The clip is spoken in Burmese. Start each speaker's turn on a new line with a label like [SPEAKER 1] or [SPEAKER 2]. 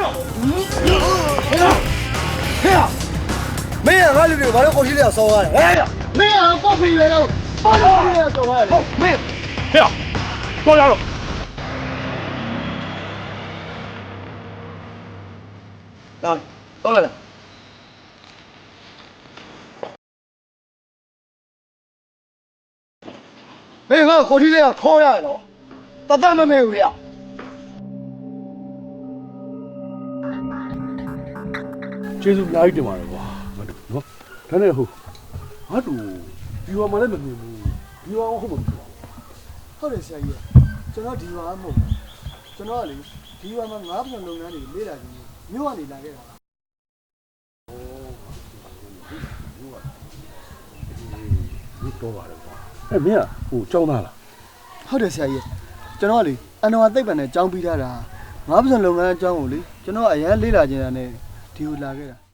[SPEAKER 1] 没人俺这里把这好几辆烧完了，哎，没人报废了，把这好几辆烧完了，没，
[SPEAKER 2] 嘿呀，庄家了。
[SPEAKER 1] 来，到来了。没人好几辆烧下来了，到咱们没有了。
[SPEAKER 2] ကျေးဇူးအများကြီးတင်ပါတယ်ကွာငါတို့နော်ဒါနဲ့ဟုတ်ငါတို့ဒီဝါမှလည်းမမြင်ဘူးဒီဝါဟုတ်မှာမဖြစ်ပါဘူး
[SPEAKER 3] ဟုတ်တယ်ဆရာကြီးကျွန်တော်ဒီရွာမဟုတ်ဘူးကျွန်တော်ကလေဒီရွာမှာငါးပြန်လုပ်ငန်းတွေလေ့လာခြင်းမြို့ကနေလာခဲ့တာ
[SPEAKER 2] ဒီတော့ပါတယ်ကွာအဲ့မင်းကဟိုကြောင်းသားလား
[SPEAKER 3] ဟုတ်တယ်ဆရာကြီးကျွန်တော်ကလေအန်တော်သိပ္ပံနဲ့ကြောင်းပြီးထားတာငါးပြန်လုပ်ငန်းအကြောင်းကိုလေကျွန်တော်အရန်လေ့လာခြင်းတာနဲ့ဒီကိုလာခဲ့တာ